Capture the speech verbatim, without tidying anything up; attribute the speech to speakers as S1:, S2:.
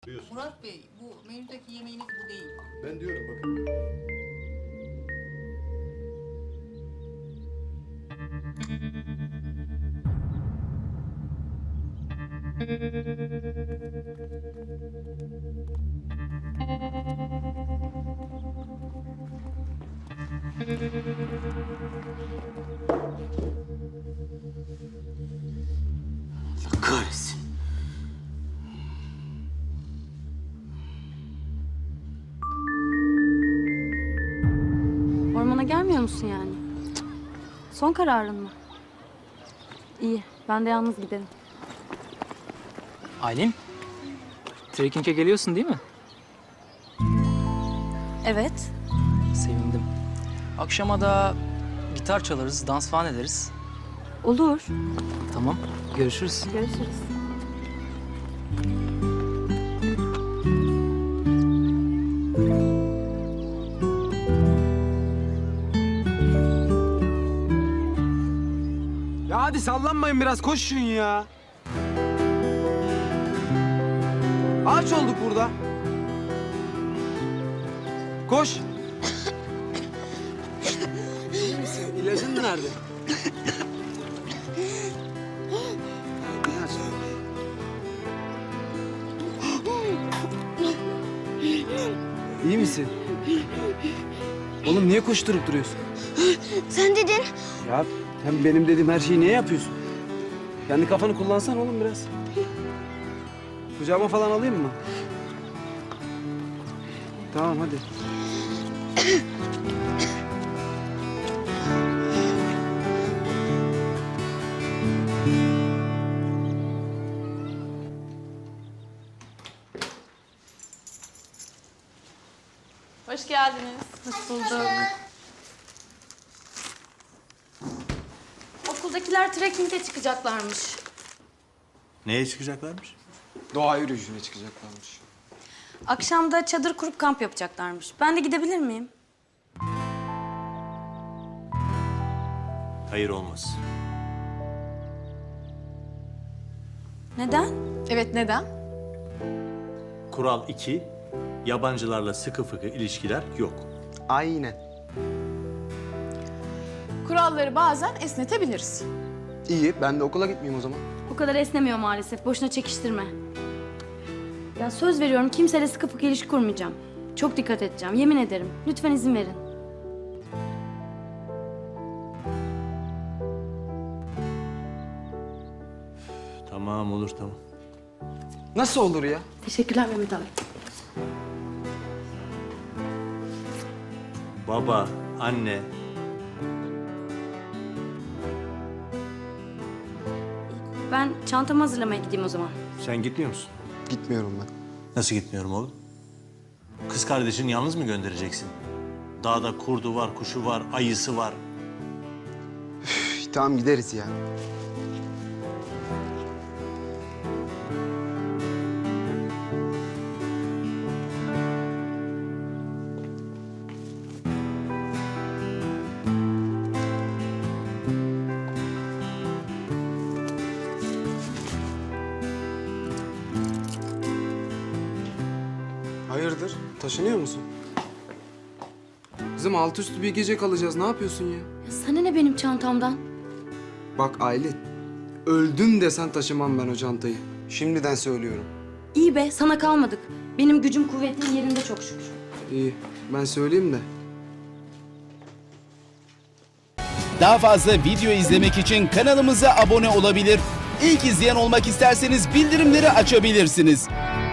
S1: Buyur.
S2: Murat Bey, bu menüdeki yemeğiniz bu değil.
S1: Ben diyorum bakın.
S3: Allah kahretsin.
S4: Ormana gelmiyor musun yani? Son kararın mı? İyi, ben de yalnız giderim.
S5: Aylin, trekking'e geliyorsun değil mi?
S4: Evet.
S5: Sevindim. Akşama da gitar çalarız, dans falan ederiz.
S4: Olur.
S5: Tamam, görüşürüz.
S4: Görüşürüz.
S6: Ya hadi sallanmayın biraz, koşun ya. Ağaç olduk burada. Koş. İyi misin? İlacın nerede? İlaç. İyi misin? Oğlum niye koşturup duruyorsun?
S7: Sen dedin.
S6: Ya hem benim dediğim her şeyi niye yapıyorsun? Kendi kafanı kullansan oğlum biraz. Kucağıma falan alayım mı? Tamam hadi.
S8: Hoş geldiniz.
S4: Hoş bulduk. Okuldakiler trekking'e çıkacaklarmış.
S1: Neye çıkacaklarmış?
S6: Doğa yürüyüşüne çıkacaklarmış.
S4: Akşam da çadır kurup kamp yapacaklarmış. Ben de gidebilir miyim?
S1: Hayır, olmaz.
S4: Neden?
S8: Evet, neden?
S1: Kural iki, yabancılarla sıkı fıkı ilişkiler yok.
S6: Aynen.
S8: Kuralları bazen esnetebiliriz.
S6: İyi, ben de okula gitmeyeyim o zaman.
S4: O kadar esnemiyor maalesef. Boşuna çekiştirme. Ya söz veriyorum kimseyle sıkı fıkı ilişki kurmayacağım. Çok dikkat edeceğim. Yemin ederim. Lütfen izin verin.
S1: Tamam, olur, tamam.
S6: Nasıl olur ya?
S4: Teşekkürler Mehmet abi.
S1: Baba, anne,
S4: Ben çantamı hazırlamaya gideyim o zaman.
S1: sen gitmiyor musun?
S6: Gitmiyorum ben.
S1: Nasıl gitmiyorum oğlum? Kız kardeşini yalnız mı göndereceksin? Dağda kurdu var, kuşu var, ayısı var.
S6: Üf, tamam gideriz ya. Hayırdır? Taşınıyor musun? Kızım altı üstü bir gece kalacağız. Ne yapıyorsun ya?
S4: Ya sana ne benim çantamdan?
S6: Bak Aylin, öldüm desen taşımam ben o çantayı. Şimdiden söylüyorum.
S4: İyi be sana kalmadık. Benim gücüm kuvvetim yerinde çok şükür.
S6: İyi, ben söyleyeyim de.
S9: Daha fazla video izlemek için kanalımıza abone olabilir. İlk izleyen olmak isterseniz bildirimleri açabilirsiniz.